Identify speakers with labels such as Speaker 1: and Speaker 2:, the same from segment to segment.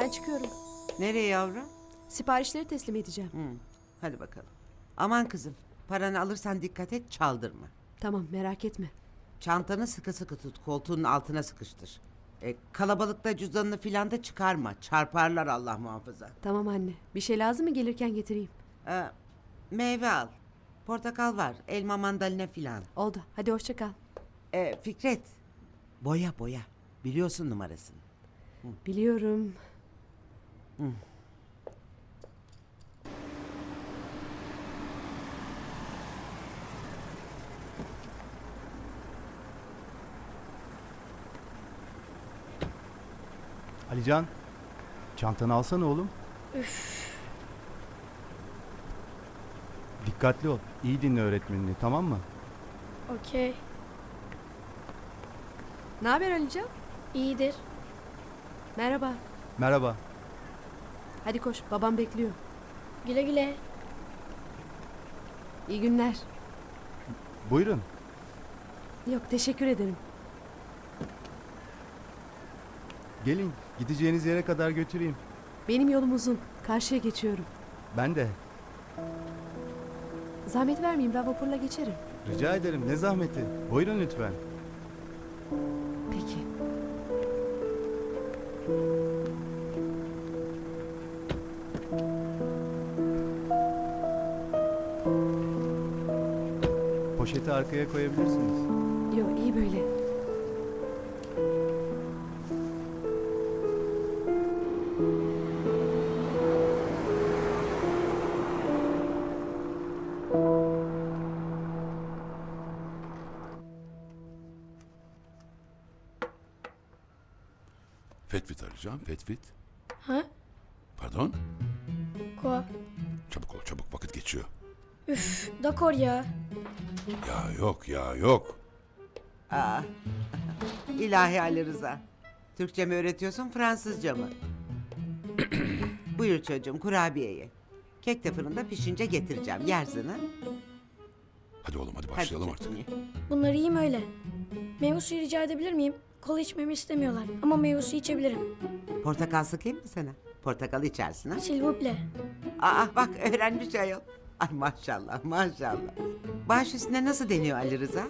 Speaker 1: Ben çıkıyorum.
Speaker 2: Nereye yavrum?
Speaker 1: Siparişleri teslim edeceğim.
Speaker 2: Hadi bakalım. Aman kızım, paranı alırsan dikkat et, çaldırma.
Speaker 1: Tamam, merak etme.
Speaker 2: Çantanı sıkı sıkı tut, koltuğunun altına sıkıştır. Kalabalıkta cüzdanını filan da çıkarma, çarparlar Allah muhafaza.
Speaker 1: Tamam anne. Bir şey lazım mı, gelirken getireyim.
Speaker 2: Meyve al, portakal var, elma mandalina filan.
Speaker 1: Oldu. Hadi hoşça kal.
Speaker 2: Fikret, boya boya, biliyorsun numarasını.
Speaker 1: Biliyorum.
Speaker 3: Alican, çantanı alsana oğlum. Dikkatli ol. İyi dinle öğretmenini, tamam mı?
Speaker 4: Okey.
Speaker 1: Ne haber Alican?
Speaker 4: İyidir.
Speaker 1: Merhaba.
Speaker 3: Merhaba.
Speaker 1: Hadi koş. Babam bekliyor.
Speaker 4: Güle güle.
Speaker 1: İyi günler.
Speaker 3: Buyurun.
Speaker 1: Yok, teşekkür ederim.
Speaker 3: Gelin, gideceğiniz yere kadar götüreyim.
Speaker 1: Benim yolum uzun. Karşıya geçiyorum.
Speaker 3: Ben de.
Speaker 1: Zahmet vermeyeyim. Ben vapurla geçerim.
Speaker 3: Rica ederim, ne zahmeti. Buyurun lütfen.
Speaker 1: Peki.
Speaker 3: Poşeti arkaya koyabilirsiniz.
Speaker 1: Yok, iyi böyle.
Speaker 5: Fetvit arayacağım. Fetvit.
Speaker 4: Ha?
Speaker 5: Pardon?
Speaker 4: Quoi?
Speaker 5: Çabuk ol çabuk, vakit geçiyor.
Speaker 4: Üf, d'accord ya.
Speaker 5: Ya yok ya yok.
Speaker 2: İlahi Ali Rıza, Türkçe mi öğretiyorsun, Fransızca mı? Buyur çocuğum, kurabiyeyi. Kek de fırında pişince getireceğim, yersin ha?
Speaker 5: Hadi oğlum hadi
Speaker 2: Hadi
Speaker 5: başlayalım artık.
Speaker 2: çocuğum, ye.
Speaker 4: Bunları yiyeyim öyle. Meyve suyu rica edebilir miyim? Kola içmemi istemiyorlar ama meyve suyu içebilirim.
Speaker 2: Portakal sıkayım mı sana? Portakal içersin ha?
Speaker 4: S'il vous plaît.
Speaker 2: Bak öğrenmiş ayol. Ay maşallah maşallah. Baş üstüne nasıl deniyor Ali Rıza?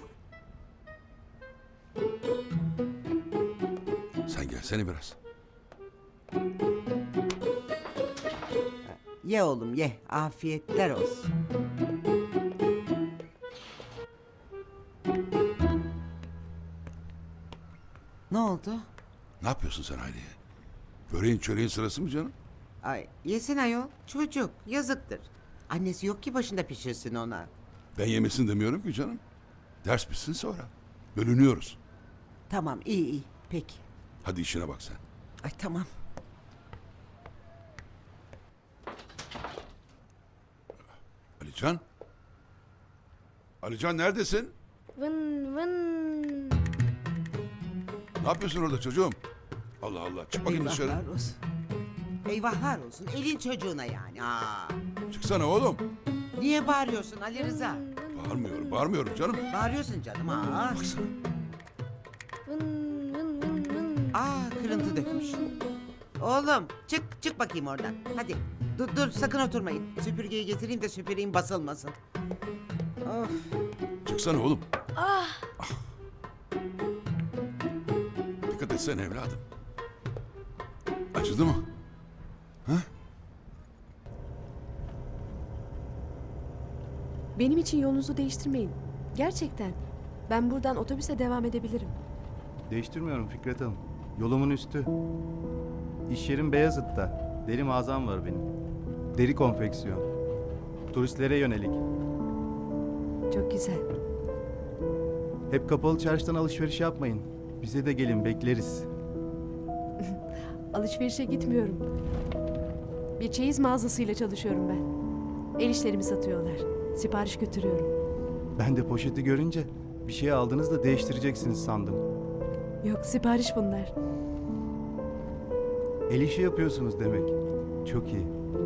Speaker 5: Sen gelsene biraz.
Speaker 2: Ye oğlum ye, afiyetler olsun. Ne oldu?
Speaker 5: Ne yapıyorsun sen Hayriye? Böreğin çöreğin sırası mı canım?
Speaker 2: Ay yesin ayol, çocuk yazıktır. Annesi yok ki başında pişirsin ona.
Speaker 5: Ben yemesin demiyorum ki canım. Ders bitsin sonra. Bölünüyoruz.
Speaker 2: Tamam iyi iyi, peki.
Speaker 5: Hadi işine bak sen.
Speaker 2: Ay tamam.
Speaker 5: Alican? Alican neredesin?
Speaker 4: Vın vın.
Speaker 5: Ne yapıyorsun orada çocuğum? Allah Allah, çık bakayım dışarı.
Speaker 2: Eyvahlar olsun. Eyvahlar olsun, elin çocuğuna yani.
Speaker 5: Çıksana oğlum.
Speaker 2: Niye bağırıyorsun Ali Rıza?
Speaker 5: Bağırmıyorum canım.
Speaker 2: Bağırıyorsun canım.
Speaker 5: Baksana.
Speaker 4: Vın vın vın vın.
Speaker 2: Kırıntı dökmüş. Oğlum çık bakayım oradan. Hadi dur sakın oturmayın. Süpürgeyi getireyim de süpüreyim basılmasın. Of.
Speaker 5: Çıksana oğlum. Dikkat etsene evladım. Acıdı mı?
Speaker 1: Benim için yolunuzu değiştirmeyin. Gerçekten. Ben buradan otobüse devam edebilirim.
Speaker 3: Değiştirmiyorum Fikret Hanım. Yolumun üstü. İş yerim Beyazıt'ta. Deri mağazam var benim. Deri konfeksiyon. Turistlere yönelik.
Speaker 1: Çok güzel.
Speaker 3: Hep kapalı çarşıdan alışveriş yapmayın. Bize de gelin, bekleriz.
Speaker 1: Alışverişe gitmiyorum. Bir çeyiz mağazasıyla çalışıyorum ben. El işlerimi satıyorlar. Sipariş götürüyorum.
Speaker 3: Ben de poşeti görünce bir şey aldınız da değiştireceksiniz sandım.
Speaker 1: Yok, sipariş bunlar.
Speaker 3: El işi yapıyorsunuz demek. Çok iyi.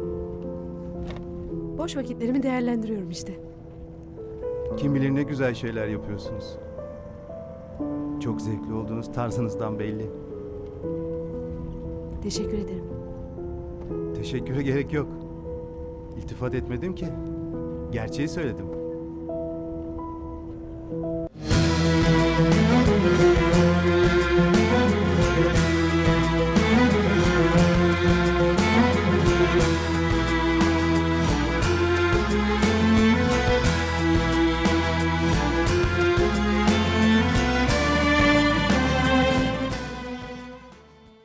Speaker 1: Boş vakitlerimi değerlendiriyorum işte.
Speaker 3: Kim bilir ne güzel şeyler yapıyorsunuz. Çok zevkli olduğunuz tarzınızdan belli.
Speaker 1: Teşekkür ederim.
Speaker 3: Teşekküre gerek yok. İltifat etmedim ki. Gerçeği söyledim.